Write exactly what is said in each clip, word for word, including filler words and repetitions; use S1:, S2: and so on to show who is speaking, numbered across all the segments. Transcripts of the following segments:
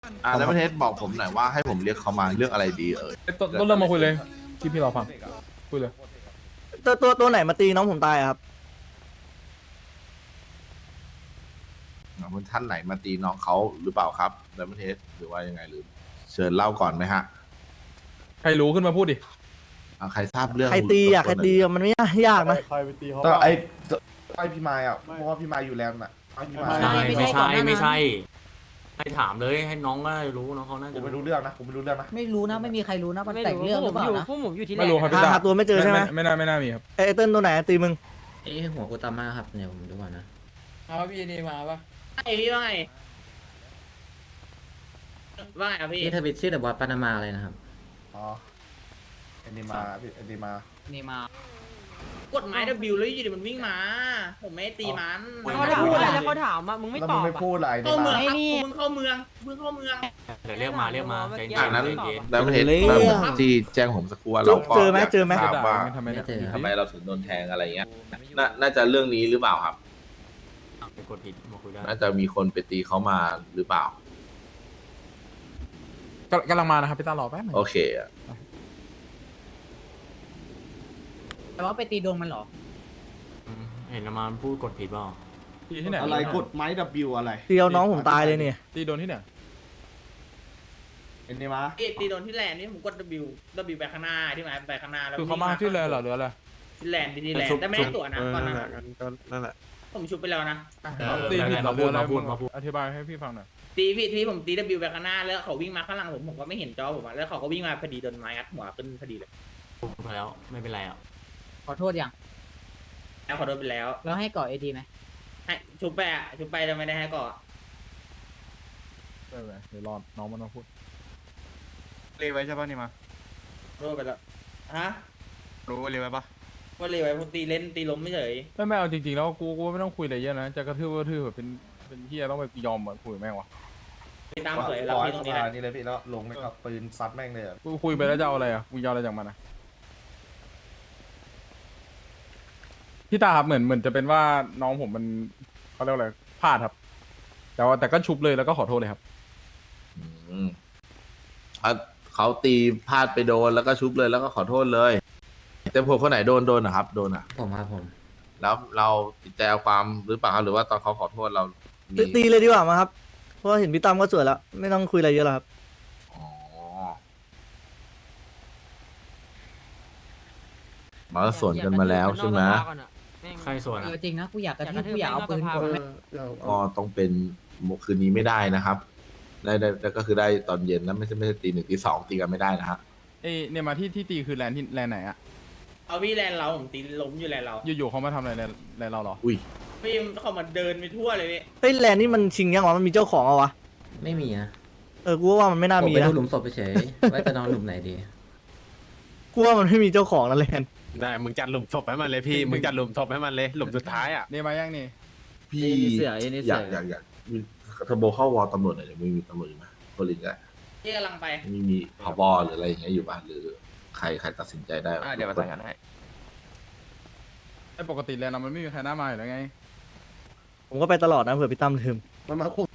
S1: อ่าแล้วประเทศบอกผมหน่อยว่าให้ผมเรียกเขามาเรื่องอะไรดีเอ่ย
S2: ต้นต้นเริ่มมาคุยเลยที่พี่รอฟังคุยเลย
S3: ตัวตัวตัวไหนมาตีน้องผมตายอะครับ
S1: ท่านไหนมาตีน้องเขาหรือเปล่าครับแล้วประเทศหรือว่ายังไงหรือเชิญเล่าก่อนไหมฮะ
S2: ใครรู้ขึ้นมาพูดดิ
S1: อ่าใครทราบเรื่อง
S3: ใครตีอะใครตีอะมันไม่ยากนะ
S4: ใครไปตีเขา
S5: ก็ไอ้ไอ้พี่มายอ่ะเพราะว่าพี่มายอยู่แลนด์อ่ะไอ้พี่มาย
S6: ใช่ไม่ใช่ไม่ใช่ให้ถามเลยให้น้องก็รู้น้องเขาน่า
S5: ผ
S6: จะ
S5: มไม่รู้เรื่องนะผมไม่รู้เรื่องนะ
S7: ไม่รู้นะ ไม่มีใครรู้นะมันแต่งเรื่องหรือเปล่านะ
S8: พวกผมอยู่ที่แร
S2: ไม่รู้ครับ
S3: หา
S2: พี่ตา
S3: หาตัวไม่เจอใช่ไหม
S2: ไม่น่าไม่น่ามีครับ
S3: ไอ้เติ้ลตัวไหนตีมึง
S6: เอ้หัวกูตามมาครับเนี่ยผมดูก่อนนะ
S8: เอาพี่นี่มาปะ
S9: ไอพี่ว่าไงว่าไงครับพี่
S6: นี่ทวิตชื่อแต่ว่าปานามาอะไรนะครับ
S5: อ๋อเอ็นดีมาพี่เอ็นดีมา
S7: นี่มาก
S9: ดไม้ W แล้วอยู่ดีมันวิ่งมา ผมไม่ได้ตีมัน
S8: เขาจะพูดอะไรแล้วเขาถามอ่ะมึงไม่
S5: แล้ว
S8: ต
S5: มึ
S8: อง บ
S5: ไม่
S8: อ่ะ
S5: พูดอะไร
S9: เข้าเมือง
S5: ดี
S9: ครับ
S5: มา
S9: มึงเข้าเมืองมึงเข้าเมือง
S6: เดี๋ยวเรียกมาเรียกมาใจเย็
S1: อ่าน นั้น
S6: ใจเย็น
S1: แล้วประเทศ
S3: เรื่อง
S1: แบบที่แจ้งผมสักครู่ว่าเราก็
S3: เจอไหม
S1: ยาก
S3: เจอไหม
S1: ทราบว่า
S2: ทำไม
S6: ไม่เจอ
S1: ทำไมเราถึงโดนแทงอะไรเงี้ยน่าน่าจะเรื่องนี้หรือเปล่าครับ
S6: ไปกดผิดมาคุยได้
S1: น่าจะมีคนไปตีเขามาหรือเปล่า
S2: กำกำลังมานะครับพี่ตารอแป๊บหนึง
S1: โอเคอะ
S7: แต่ว่าไปตีดวงมันเหรอ
S6: เห็นมาพูดกดผิดเปล่า
S2: ตีที่ไหน
S5: อะไรกดไม้ W อะไร
S3: ตีเอาน้องผมตายเลยเนี่ย
S2: ตีโดนที่ไหน
S5: เอ็นดีมา
S9: พี่ตีโดนที่แลนด์นี่ผมกด W W ไปข้างหน้าที่หมายไปข้างหน้าแล้ว
S2: คือเขามาที่เลยเหรอหรืออะไร
S9: ที่แลนด์ที่แลนด์แต่ไม่ได้ตั๋วนะตอนนั้น
S4: นั่นแหละ
S9: ผมชุบไปแล้วนะ
S2: ตีผิดเหรอ
S6: มา
S2: หรื
S6: พู
S2: อ
S6: ด
S2: อะไร
S6: มาพูด
S2: มึง
S6: มาพูด
S2: อธิบายให้พี่ฟังหน่อย
S9: ตีพี่ที่ผมตี W ไปข้างหน้าแล้วเขาวิ่งมาข้างหลังผมผมก็ไม่เห็นจอผมอะแล้วเขาก็วิ่งมาพอดีโดนไม้อัดหัวขึ้นพอดีเลย
S6: พูดไปแล้วไม่เป็นไรอ่ะ
S7: ขอโทษยัง
S9: แล้วขอโดนไปแล้ว
S7: แล้วให้ก่อเอทีไหม
S9: ให้ชุบไปอะชุบไปแต่ไม่ได้ให้ก่อน
S2: ไม่เป็นไรเดี๋ยวรอน้องมันมาพูด
S4: เรียกไว้ใช่ป่ะนี่มา
S9: โดนไปแล้วฮะ
S4: รู้ว่าเรียกไว้ป่ะ
S9: ว่าเลยไว้ผมตีเล่นตีล้มไม่เฉย
S2: ไม่ไม่เอาจริงๆแล้วกูกูไม่ต้องคุยอะไรเยอะนะจะกระทืบก็กระทืบแบบเป็นเป็นเฮียต้องไปยอมเหมือนคุยกับแม่งวะ
S9: ไปตาม
S5: ป
S9: สวย
S5: ล่
S9: รับ
S5: อย
S9: พี่ตรงนี้
S5: ส
S9: แห
S5: บา
S9: ละ
S5: ยนี่เลยพี่แล้วลงไม่ก็ปืนซัดแม่งเลยอะ
S2: กูคุยไปแล้วจะเอาอะไรอ่ะกูจะเอาอะไรจากมันอ่ะพี่ตาครับเหมือนเหมือนจะเป็นว่าน้องผมมันเขาเรียกว่าอะไรพลาดครับ แต่ว่าแต่ก็ชุบเลยแล้วก็ขอโทษเลยครับ
S1: อืมเขาเขาตีพลาดไปโดนแล้วก็ชุบเลยแล้วก็ขอโทษเลยแต่ผมคนไหนโดนโดนนะครับ โดนอ่ะ
S6: ผมครับผม
S1: แล้วเราติดใจเอาความหรือเปล่าครับหรือว่าตอนเขาขอโทษเรามี
S3: ตีตีเลยดีกว่ามาครับ เพราะว่าเห็นพี่ตั้มก็สวยแล้ว ไม่ต้องคุยอะไรเยอะแล้วครับ
S1: อ๋อมาก็สวนกันมาแล้วใช่ไหม
S6: ใครส่วน
S7: เอ
S6: อ่ะ
S7: อจริงนะกูอยากกระทืบกูอยากเอาปืนกดแม่ง
S1: ก็ต้องเป็นคืนนี้ไม่ได้นะครับ ได้ได้ได้ก็คือได้ตอนเย็นนะไม่ใช่ไม่ใช่ตีหนึ่งตีสองตีกันไม่ได้นะฮะ
S2: เอ้ยเนี่ยมาที่ที่ตีคือแลนด์ที่แลนด์ไหนอะ
S9: เอาพี่แลนเราผมตีล้มอยู่แลนเรา
S2: อยู่ๆเขามาทำอะไรแลนด์แลนด์เราเหรอ
S1: อุ้ย
S9: พี่เขามาเดินไปทั่วเลยพี่
S3: เฮ้ยแลนด์นี่มันชิงยังวะมันมีเจ้าของเอาวะ
S6: ไม่มีนะ
S3: เออ กูว่ามันไม่น่า
S6: ผม
S3: มี
S6: ไป
S3: นะ
S6: ดูหลุมศพเฉยๆว่าจะนอนหลุมไหนดี
S3: กูว่ามันไม่มีเจ้าของนะแลนด์
S4: ได้มึงจัดหลุมศพให้มันเลยพี่มึงจัดหลุมศพให้มันเลยหลุมสุดท้ายอ่ะ
S2: เนี่ยมายังนี่
S1: พี่อยากอยากอยากมีเทอร์โบเข้าวอลตำรวจหน่อยเดี๋ยวไม่มีตำรวจอยู่ไหมโพลิสอะ
S9: พี่กำลังไป
S1: ไม่มีผบหรืออะไรอย่างเงี้ยอยู่บ้านหรือใครใครตัดสินใจได้
S4: เดี๋ยวประสานงานให้
S2: ไอ้ปกติแลนด์เรามันไม่มีใครหน้ามาอยู่แล้วไง
S3: ผมก็ไปตลอดนะเผื่อพี่ตั้มลืม
S5: มันมาคุม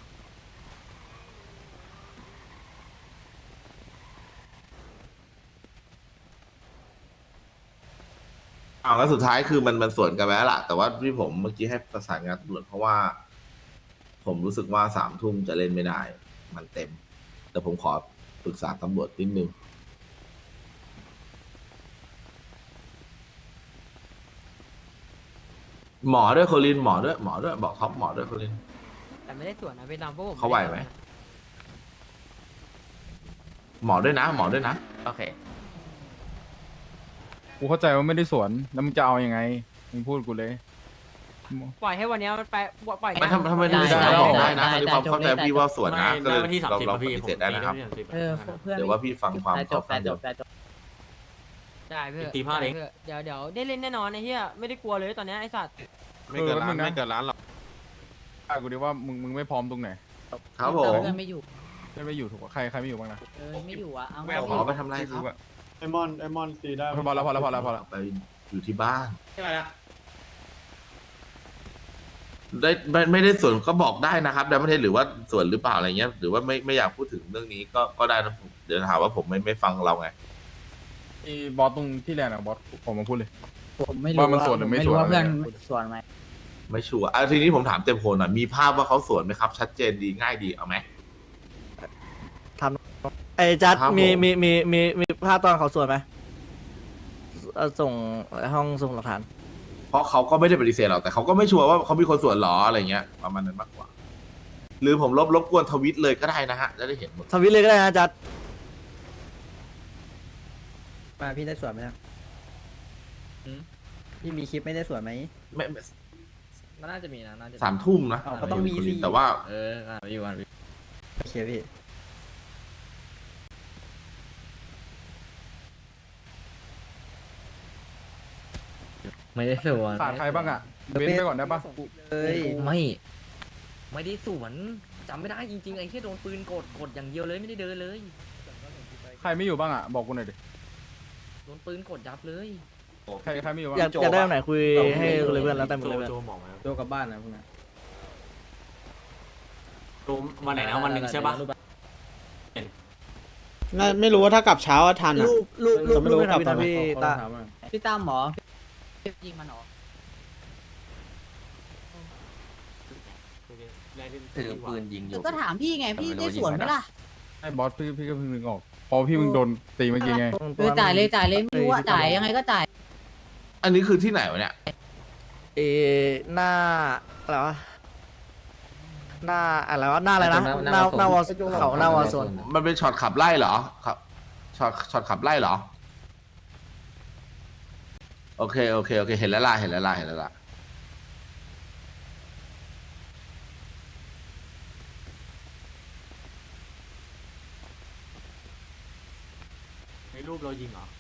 S1: อ้าวแล้วสุดท้ายคือมันมันสวนกันไปแล้วล่ะแต่ว่าที่ผมเมื่อกี้ให้ประสานงานตำรวจเพราะว่า ผมรู้สึกว่าสามทุ่มจะเล่นไม่ได้ มันเต็ม แต่ผมขอปรึกษาตำรวจนิดนึงหมอด้วยโคลินหมอด้วยหมอด้วยบอกท็อปหมอด้วยโคลิน
S8: แต่ไม่ได้ส่วนนะไปตามพวกผม
S1: เขาไหวไหม หมอด้วยนะ หมอด้วยนะ
S4: โอเค
S2: กูเข้าใจว่าไม่ได้สวนแล้วมึงจะเอายังไงมึงพูดกูเลย
S8: ปล่อยให้วันนี้มันไปปล่อย
S1: ไม่ทำทำไมได้
S2: ได้
S1: ได้
S2: ได้
S1: บอกได้นะตอนนี้ความเข้าใจพี่ว่าสวนนะก็
S6: ได้
S1: เลย
S6: วันที่สาม
S1: เรา
S6: สิบ
S1: เรา
S6: พี่
S1: ปฏิ
S6: ผม
S1: เสธได้นะครับ
S7: เออเพื่อน
S1: เดี๋ยวว่าพี่ฟังความ
S7: แต่จ
S1: เขา
S7: บ
S1: ฟั
S7: แต่
S1: ง
S7: จ
S1: เดี๋ยว
S7: บแต่จบ
S8: ได้เพื่อ
S6: ตีพลาดเอง
S8: เดี๋ยวเดี๋ยวได้เล่นแน่นอนไอ้เหี้ยไม่ได้กลัวเลยตอนนี้ไอ้สัตว์
S4: ไม่เกินล้านไม่เกินล้านหรอก
S2: อ่ะกูดิว่ามึงมึงไม่พร้อมตรงไหน
S1: ครับผม
S7: เพื่อนไม่อยู่
S2: ไม่ไม่อยู่ถูกปะใครใครไม่อยู่บ้างนะ
S7: เออไม่อยู่อ่ะเอา
S1: ขอไปทำไรครับ
S4: ไอมอนไอมอนตีได้
S2: พอแล้วพอแล้วพอแล้วพอแล้ว
S1: ไปอยู่ที่บ้าน
S9: ใช่ไหมล่ะ
S1: ได้ไม่ไม่ได้ส่วนก็บอกได้นะครับได้ไม่ได้หรือว่าส่วนหรือเปล่าอะไรเงี้ยหรือว่าไม่ไม่อยากพูดถึงเรื่องนี้ก็ก็ได้นะผมเดี๋ยวหาว่าผมไม่ไม่ฟังเราไง
S2: ไอ้บอสตรงที่แลนด์อะบอสผมมาพูดเลย
S7: ผมไม่รู้
S2: ว่ามันสวนหรือไม่
S7: ไม่รู้
S2: สวน
S7: ว่าเพื่อน
S2: อะไรเงี้ย
S7: สวนไหม
S1: ไม่ชัวร์อ่ะทีนี้ผมถามเต็มโพลหน่อยมีภาพว่าเขาสวนไหมครับ ชัดเจนดีง่ายดีเอาไหม
S3: ไอ้จัด
S1: ครับผม
S3: มีมีมีมีมีภาพตอนเขาสวนไหมเอ่อส่งห้องส่งหลักฐาน
S1: เพราะเขาก็ไม่ได้ปฏิเสธหรอกแต่เขาก็ไม่ชัวร์ว่าเขามีคนสวนหรออะไรเงี้ยประมาณนั้นมากกว่า หรือผมลบรบกวนทวิตเลยก็ได้นะฮะจะได้เห็นหมด
S3: ทวิตเลยก็ได้นะจัด
S10: มาพี่ได้สวนไหมครับพี่มีคลิปไม่ได้สวนไหม
S1: ไม่ไม่
S10: มันน่าจะมีนะน่าจะ
S1: สามทุ่มนะ
S10: อ้าวก็ต้องมีสิ
S1: แต่ว่า
S10: เอออ่าอยู่อ่ะโอเคพี่ ไม่ได้สวน
S2: ขาดใครบ้างอะเว้นไปก่อนได้ปะ
S10: เอ้ยไม่ ไม่ได้สวนจำไม่ได้จริงๆไอ้แค่โดนปืนกดกดอย่างเดียวเลยไม่ได้เดินเลย
S2: ใครไม่อยู่บ้างอะบอกกูหน่อยดิ
S10: โดนปืนกดยับเลย
S2: ใครใครไม่อยู่บ้าง
S3: อยากอยากได้ตรงไหนคุยให้เลยเพื่อนแล้วแต่หมดเลยเพื่อน
S6: โจบอกมาแล้ว
S10: โจกลับบ้านนะพวกนั้น
S6: โจวันไหนนะวันหนึ่งใช่ปะ
S11: น่าไม่รู้ว่าถ้ากลับเช้าอะทันอ่ะ
S3: รูปรูปรูป
S11: ไม่
S3: รู
S11: รู้
S3: ปไม่
S11: กลับ
S3: ทำพี่
S11: ตอนไหน
S3: พี่ตา
S7: พี่ตั้มหมอยิงมันเหรอ
S10: ถือปืนยิงอ
S7: เดี๋ย
S10: ยู่
S7: วก็ถามพี่ไงพี่ได้สวนไหมล่ะ
S2: ไอ้บอสพี่พี่ก็เพิ่งนึกออกพอพี่มึงโดนตีเมื่อกี้ไง
S7: เออจ่ายเลยจ่ายเลยไม่รู้ว่าจ่ายยังไงก็จ่าย
S1: อันนี้คือที่ไหนวะเนี่ย
S3: เออหน้าอะไรวะหน้าอะไรวะหน้าอะไรนะหน้าหน้าวอลเขาหน้าวอลโซน
S1: มันเป็นช็อตขับไล่เหรอครับช็อตช็อตขับไล่เหรอโอเคโอเคโอเคเห็นแล้วล่ะเห็นแล้วล่ะเห็นแล้วล่ะ
S6: ในรูปเรายิงเหรอ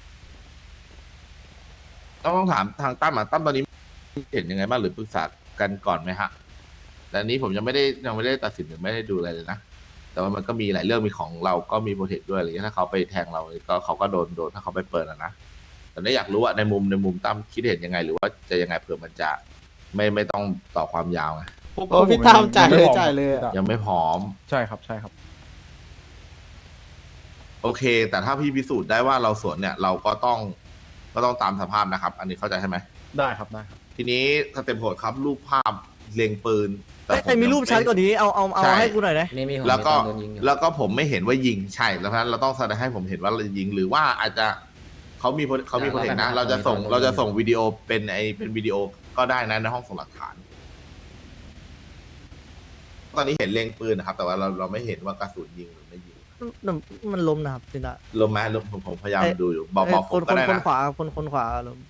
S1: ต้องต้องถามทางตั้มอ่ะตั้มตอนนี้เห็นยังไงบ้างหรือปรึกษากันก่อนไหมฮะแต่อันนี้ผมยังไม่ได้ยังไม่ได้ตัดสินหรือไม่ได้ดูอะไรเลยนะแต่ว่ามันก็มีหลายเรื่องมีของเราก็มีโปรเทคด้วยอะไรเงี้ยถ้าเขาไปแทงเราก็เขาก็โดนโดนถ้าเขาไปเปิดอะนะแต่นี่อยากรู้ว่าในมุมในมุมตั้มคิดเห็นยังไง หรือว่าจะยังไงเผื่อมันจะไม่ไม่ต้องต่อความยาวไง
S11: โอ้พี่ตามจ่ายเลยจ่ายเลยอะ
S1: ยังไม่พร้อม
S2: ใช่ครับใช่ครับ
S1: โอเค แต่ถ้าพี่พิสูจน์ได้ว่าเราสวนเนี่ย เราก็ต้องก็ต้องตามสภาพนะครับ อันนี้เข้าใจใช่ไหม
S2: ได้ครับได้ครับ
S1: ทีนี้สเต็ปโหดครับรูปภาพเล็งปืน
S3: เอ้ยแต่มีรูปชัดกว่านี้เอาเอาเอา
S1: ใช่
S3: ให้กูหน่อยนะ
S10: นี่มีของ
S1: แล้วก็
S10: โดนยิงอยู่
S1: แล้วก็ผมไม่เห็นว่ายิงใช่แล้วเพราะฉะนั้นเราต้องแสดงให้ผมเห็นว่าเรายิงหรือว่าอาจจะเขามีเขามีโปรเทคนะ เราจะส่งเราจะส่งวิดีโอเป็นไอเป็นวิดีโอก็ได้นะในห้องส่งหลักฐาน ตอนนี้เห็นเล็งปืนนะครับ แต่ว่าเราเราไม่เห็นว่ากระสุนยิงหรือไม่ยิง
S3: มันมันล้มนะครับจินตา
S1: ลมไหมลมผมผมพยายาม
S3: เอ้ย
S1: ดูอยู่บอกบอก
S3: ค
S1: ผม
S3: นค
S1: ก็
S3: น
S1: ได้
S3: คน
S1: นะ
S3: ขวาคนคนขวาล้ม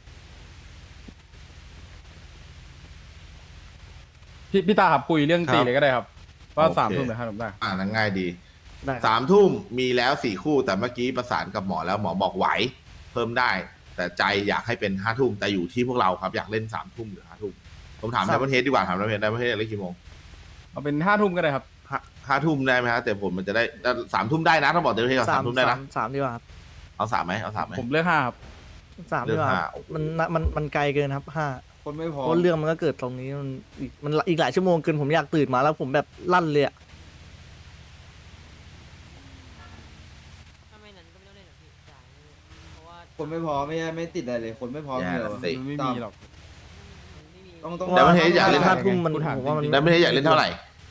S2: พี่พี่ตาครับคุยเรื่อง
S1: ครับ
S2: ตีเลยก็ได้ครับ ว่า
S1: โอเค
S2: สามทุ่มหรือห้าทุ่มได้
S1: อ่านั้นง่ายดี
S3: ได้ครับ
S1: สามทุ่มมีแล้วสี่คู่แต่เมื่อกี้ประสานกับหมอแล้วหมอบอกไหว เพิ่มได้ แต่ใจอยากให้เป็นห้าทุ่มแต่อยู่ที่พวกเราครับอยากเล่นสามทุ่มหรือห้าทุ่มผมถาม
S3: ครั
S1: ใน
S3: บ
S1: ประเทศดีกว่าถามในประเทศในประเทศเล่นกี่โมง
S2: เอาเป็นห้าทุ่มก็ได้ครับ
S1: ห้าห้าทุ่มได้ไหมฮะแต่ผลมันจะได้สามทุ่มได้นะต้องบอกในประเทศก่อน
S3: สา
S1: สาม มทุ่มได้
S3: สา
S1: นะ
S3: มสามดีกว่าครับ
S1: เอาสามไหมเอาสามไหม
S2: ผมเลือกห้าครับ
S3: สามดีกว่าครับ
S1: เรื่องห้า
S3: มันมันมันไกลเกินครับห้า
S5: คนไม่พอ
S3: เพราะเรื่องมันก็เกิดตรงนี้มันอีกมันอีกหลายชั่วโมงเกินผมอยากตื่นมาแล้วผมแบบลั่นเลยอะ
S8: ถ้าไม่นั้นก็ไม่ต้องเล่นหรอกพี่จ่ายเลยเพราะว่า
S5: คนไม่พอไม่ไม่ติดอะไรเลย คนไม่พอ
S1: อย่า
S5: เดียว
S1: สิ
S2: มันไม่มีหรอก
S8: มันไม่มี
S5: ต้องต้อง
S1: แต่ประเทศอยากเล่น
S3: ห้าทุ่มมัน
S2: กูถาม
S3: ผมว่ามัน
S2: จริง
S1: ในประเทศอยากเล่นเท่าไหร่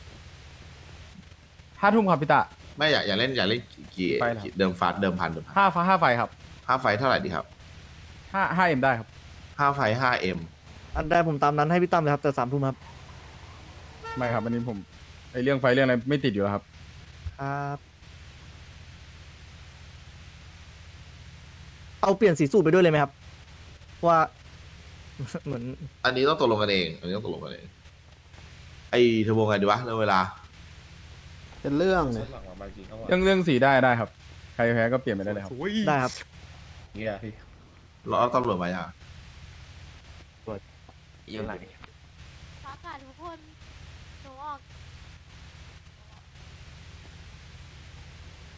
S2: ห้าทุ่มครับพี่ตา
S1: ไม่อยากอยากเล่นอยากเล่นกี่
S2: ไปเหรอ
S1: กี่เดิมฟาดเดิมพันเดิมพัน
S2: ห้าฟ้าห้าไฟครับ
S1: ห้าไฟเท่าไหร่ดีครับ
S2: ห้าห้าเอ็มได้ครับ
S1: ห้าไฟห้าเอ็ม
S3: อันได้ผมตามนั้นให้พี่ตั้มเลยครับแต่สามทุ่มครับ
S2: ไม่ครับอันนี้ผมไอเรื่องไฟเรื่องอะไรไม่ติดอยู่แล้วครับ
S3: ครับเอาเปลี่ยนสีสูตรไปด้วยเลยไหมครับว่า เหมือน
S1: อันนี้ต้องตกลงกันเอง อันนี้ต้องตกลงกันเอง ไอเทอร์โบไงดีวะเรื่องเวลา
S11: เป็นเรื่องเนี่ย
S2: เรื่องเรื่องสีได้ได้ครับ ใครแพ้ก็เปลี่ยนไปได้เลยครับ
S3: ได้ครับ
S5: เงี้ยพี่
S1: เราเอาตำรวจมาอ่ะ
S10: อยู่ไหน
S12: ฟ้าผ่าทุกคนหนูออก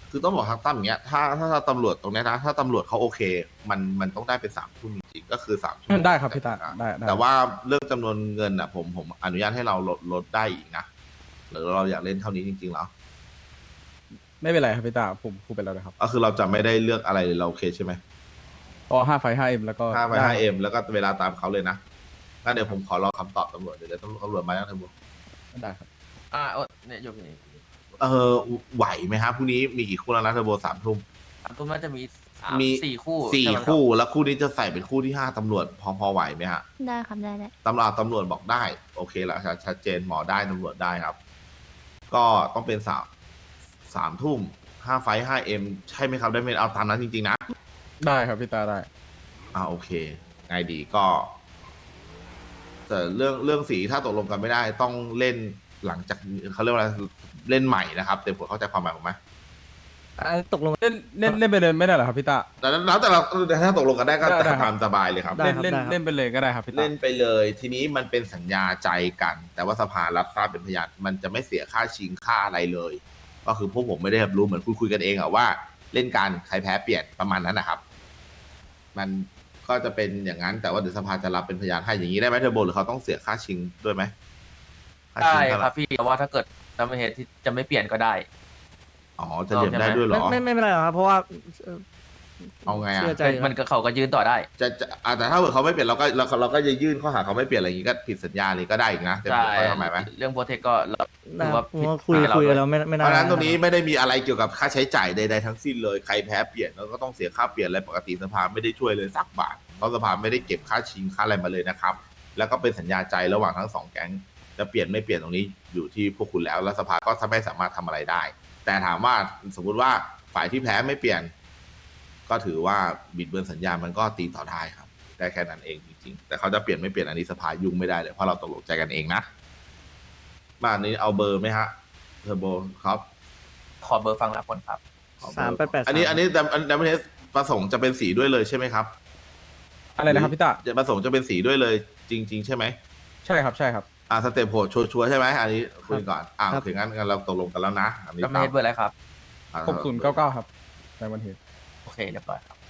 S1: คือต้องบอกทางตั้มอย่างเงี้ยถ้าถ้าถ้าตำรวจตรงเนี้ยนะถ้าตำรวจเขาโอเค มันมันต้องได้เป็นสามทุ่มจริงๆก็คือสามชั่วโมง
S2: ได้ครับพี่ตาได้ได้
S1: แต่ว่าเรื่องจำนวนเงินอ่ะผมผมอนุญาตให้เราลดลดได้อีกนะหรือเราอยากเล่นเท่านี้จริงๆแล้ว
S2: ไม่เป็นไรครับพี่ตาผมพูดไปแล้วนะครับ
S1: ก็คือเราจะไม่ได้เลือกอะไรเลยเราโอเคใช่ไหม
S2: พอห้าไฟห้าเอ็มแล้วก็
S1: ห้าไป
S2: ด้
S1: ห้าเอ็มแล้วก็เวลาตามเขาเลยนะงั้นเดี๋ยวผมขอรอคำตอบตำรวจเดี๋ยวเดี๋ยวตำรวจมาแล้วตำรวจ
S2: ได้ครับ
S10: อ่าเออเนี่ยยกนี่
S1: เออไหวไหมครับพรุ่งนี้มีกี่คู่แล้วนะเทอร์โบสามทุ่ม
S10: สามทุ่มน่าจะมีสาม
S1: มี
S10: สี่คู่
S1: สี่
S10: ใช่ไหมรับ
S1: คู่แล้วคู่นี้จะใส่เป็นคู่ที่ห้าตำรวจพอพอไหวไหมฮะ
S12: ได้ครับได้ได้
S1: ตำรวจตำรวจบอกได้ โอเคแล้วชัดชัดเจนหมอได้ตำรวจได้ครับ ก็ต้องเป็นสามสามทุ่มห้าไฟห้าเอ็มใช่ไหมครับได้ไหมเอาตามนั้นจริงๆนะ
S2: ได้ครับพี่ตาได้
S1: อ่าโอเคไงดีก็แต่เรื่องเรื่องสีถ้าตกลงกันไม่ได้ ต้องเล่นหลังจากเขาเรียกว่าอะไรเล่นใหม่นะครับเต็มผมเข้าใจความหมายผมไหม
S3: อ่ะตกลง
S2: เล่นเล่นเล่นไปเลยไม่ได้เหรอครับพี่ตา
S1: แต่แล้วแต่เราถ้าตกลงกันได้ก็
S2: ได้ได้ครับ
S1: ตามสบายเลยครับ
S3: ได้
S2: เล่น
S3: ครับ
S2: เล่น
S3: ได้ครับ
S2: เล่นไปเลยก็ได้ครับพี่ตา
S1: เล่นไปเลยทีนี้มันเป็นสัญญาใจกัน แต่ว่าสภารับทราบเป็นพยานมันจะไม่เสียค่าชิงค่าอะไรเลย ก็คือพวกผมไม่ได้รับรู้เหมือนคุยคุยกันเองอะว่าเล่นการใครแพ้เปลี่ยนประมาณนั้นนะครับ มันก็จะเป็นอย่างนั้น แต่ว่าเดี๋ยวสภาจะรับเป็นพยานให้อย่างนี้ได้ไหมเทอร์โบหรือเขาต้องเสียค่าชิงด้วยไหมค่า
S10: ได้
S1: ชิงเท่า
S10: ค
S1: ไห
S10: รั
S1: ร่
S10: บพี่แต่ว่าถ้าเกิดจำเป็นเหตุที่จะไม่เปลี่ยนก็ได้
S1: อ๋อจะเหลี่ยมได้ด้วยเหร
S3: ไม่
S1: อ
S3: ไม่ไม่เป็นไรหรอกครับ เพราะว่าเอ่อ
S1: เอาไงอะ
S3: เชื่อใจ
S10: มันก็เขาก็ยืนต่อได้
S1: จะจะอ่ะแต่ถ้าเกิดเขาไม่เปลี่ยนเราก็เราเราก็จะยื่นข้อหาเขาไม่เปลี่ยนอะไรอย่างนี้ก็ผิดสัญญาเลยก็ได้อีกนะเต็ม
S10: ใช่
S1: เข้าใจความหมายไหม
S10: เรื่องโปรเทคก็เรา
S3: ได้
S10: ถือ
S3: ครั
S10: ว่า
S3: บผม
S10: ผิด
S3: ว่าคุย
S10: กับเรา
S3: คุย
S10: ด้
S3: กั
S10: วน
S3: แล้วไม่ไม่
S1: เพ
S3: น่า
S1: ราะฉะนั้นตรงนี้ไม่ได้มีอะไรเกี่ยวกับค่าใช้จ่ายใดๆทั้งสิ้นเลยใครแพ้เปลี่ยนแล้วก็ต้องเสียค่าเปลี่ยนอะไรปกติสภาไม่ได้ช่วยเลยสักบาทเพราะสภาไม่ได้เก็บค่าชิงค่าอะไรมาเลยนะครับ แล้วก็เป็นสัญญาใจระหว่างทั้งสองแก๊งจะเปลี่ยนไม่เปลี่ยนตรงนี้อยู่ที่พวกคุณแล้วแล้วสภาก็ไม่สามารถทำอะไรได้ แต่ถามว่าสมมุติว่าฝ่ายที่แพ้ไม่เปลี่ยน ก็ถือว่าบิดเบือนสัญญามันก็ตีต่อได้ครับ ได้แค่นั้นเองจริงๆแต่เขาจะเปลี่ยนไม่เปลี่ยนอันนี้สภายุ่งไม่ได้เลยเพราะเราตกลงใจกันเองนะบ้านนี้เอาเบอร์ไหมฮะเทอร์โบครับ
S10: ขอเบอร์ฟังละคนครับ
S1: ขอเบอร์
S3: สามแปดแปด
S1: อันนี้อันนี้ดัมดัมเบิลเทสประสงค์จะเป็นสีด้วยเลยใช่ไหมครับ
S2: อะไรนะครับพี่ตา
S1: จะประสงค์จะเป็นสีด้วยเลย จริง ๆ ใช่ไหม
S2: ใช่ครับใช่ครับ
S1: อ่าสเต็ปโหดชัวร์ๆใช่ไหมอันนี้คุยก่อนอ่าโอเคงั้นงั้นเราตกลงกันแล้วนะอันนี้
S10: จำเป็นเหตุเบอร์อะไรครับ
S2: หกศูนย์เก้าเก้าครับในวันเหตุ
S10: โอเคเรียบร้อยครับ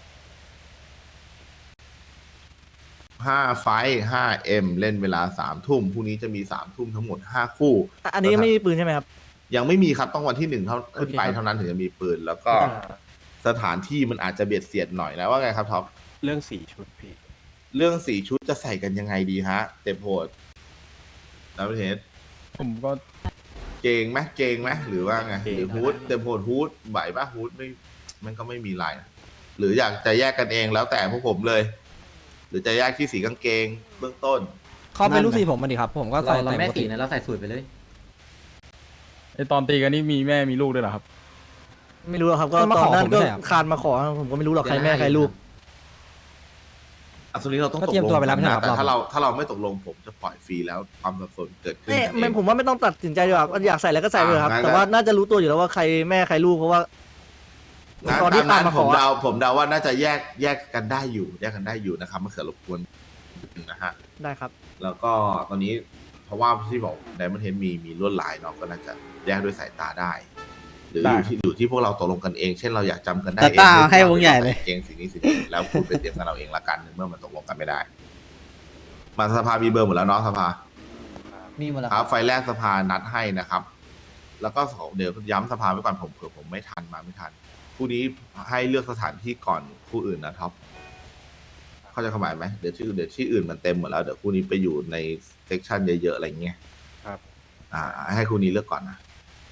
S1: ห้าไฟห้าเอ็มเล่นเวลาสามทุ่มพรุ่งนี้จะมีสามทุ่มทั้งหมดห้าคู่
S3: อ่ะอันนี้ยังไม่มีปืนใช่ไหมครับ
S1: ยังไม่มีครับต้องวันที่หนึ่งเท่าขึ้นไป
S3: โอเคครับ
S1: เท่านั้นถึงจะมีปืน แล้วก็สถานที่มันอาจจะเบียดเสียดหน่อยนะว่าไงครับท็อป
S4: เรื่องสี่ชุดพี่
S1: เรื่องสีชุดจะใส่กันยังไงดีฮะเต็มโหดแล้วประเทศ
S2: ผมก็
S1: เกงไหมเกงไหมหรือว่าไงหรือฮูดเต็มโหดฮูดไหวปะฮูดไม่มันก็ไม่มีลายนะหรืออยากจะแยกกันเองแล้วแต่พวกผมเลย หรือจะแยกที่สีกางเกงเบื้องต้น
S3: เขาเป็นลูกศิษย์ผมมาดิครับ ผมก็ใส่
S10: เรา
S3: แต่
S10: แม่
S3: ปก
S10: สี
S3: ติ
S10: นะเราใส่สูตรไปเลย
S2: ไอตอนตีกันนี่มีแม่มีลูกด้วยเหรอครับ
S3: ไม่รู้หรอกครับก็
S11: เขามา
S3: ต
S11: ข
S3: อ
S11: อน
S3: นั้น
S11: ผม
S3: ก็
S11: ไม่ใช่เหรอ
S3: คานมาขอผมก็ไม่รู้หรอกใครแม่ใครลูก
S1: อันนี้เราต้อง
S11: ก็
S1: ตก
S11: เตรียม
S1: ลง
S11: ตัวไปแล้ว
S1: กัน
S11: ไม่ใช่
S1: นะ
S11: เหรอ
S1: แต่ถ้าเราถ้าเราไม่ตกลงผมจะปล่อยฟรีแล้วความสับสนเกิดขึ้น
S3: เอ้ย
S1: กันเอ
S3: ไม่
S1: ง
S3: ผมว่าไม่ต้องตัดสินใจดีกว่าอยากใส่แล้วก็ใส่ไปเลยครับ
S1: อ่างั้น
S3: แต่ว่าน่าจะรู้ตัวอยู่แล้วว่าใครแม่ใครลูกเพราะว่า
S1: งั้น
S3: ตอนที่
S1: ตาม
S3: คาน
S1: นั้น
S3: มา
S1: ผ
S3: ขอ
S1: มเดาผมเดาว่าน่าจะแยกแยกกันได้อยู่ แยกกันได้อยู่นะครับมะเขือรบกวนนะฮะ
S3: ได้ครับ
S1: แล้วก็ตอนนี้เพราะว่าที่บอกไดมอนเทนมีมีลวดลายเนาะก็น่าจะแยกด้วยสายตาได้ หรือ
S2: ได้
S1: อยู่ที่อยู่ที่พวกเราตกลงกันเอง เช่นเราอยากจำกันได้
S11: แต่
S1: เอง
S11: ตาให้วงใหญ่เลย
S1: เกงสิ่งนี้สิ่งนี้แล้วคุณไปเตรียมกันเราเองละกันเมื่อมันตกลงกันไม่ได้ มาสภามีเบอร์หมดแล้วเนาะสภา
S10: มีหมดแล้ว
S1: ครับไฟแรกสภานัดให้นะครับ แล้วก็สองเดี๋ยวย้ำสภาไว้ก่อนผมเผื่อผมไม่ทันมาไม่ทันคู่นี้ให้เลือกสถานที่ก่อนคู่อื่นนะท็อปเข้าใจความหมายไหมเดี๋ยวที่อื่นเดี๋ยวที่อื่นมันเต็มหมดแล้วเดี๋ยวคู่นี้ไปอยู่ในเซกชันเยอะๆอะไรเงี้ย
S4: ครับ
S1: อ่า ให้คู่นี้เลือกก่อนนะ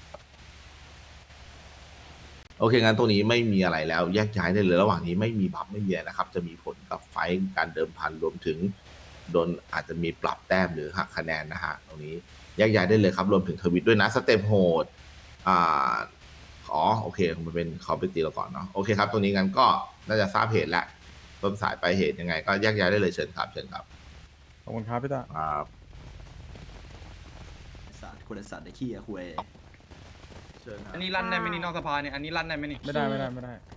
S1: โอเคงั้นตรงนี้ไม่มีอะไรแล้วแยกย้ายได้เลยระหว่างนี้ไม่มีบัฟไม่มีอะไรนะครับ จะมีผลกับไฟท์การเดิมพันรวมถึงโดนอาจจะมีปรับแต้มหรือหักคะแนนนะฮะตรงนี้แยกย้ายได้เลยครับรวมถึงทวิตด้วยนะสเต็ปโหดอ่าอ๋อโอเคมันเป็นเขาไปตีเราก่อนเนาะโอเคครับตรงนี้งั้นก็น่าจะทราบเหตุแล้วต้นสายปลายเหตุยังไงก็แยกย้ายได้เลยเชิญครับเชิญครับ
S2: ขอบคุณครับพี่ตา
S1: ครับ
S11: สัตว์คนสัตว์ไอ้ขี้อะคุย
S1: เชิญครับ
S4: อันนี้ลั่นได้ไหมนี่นอกสภาเนี่ย อันนี้ลั่นได้ไหมนี่
S2: ไม่ได้ไม่ได้ไม่ได้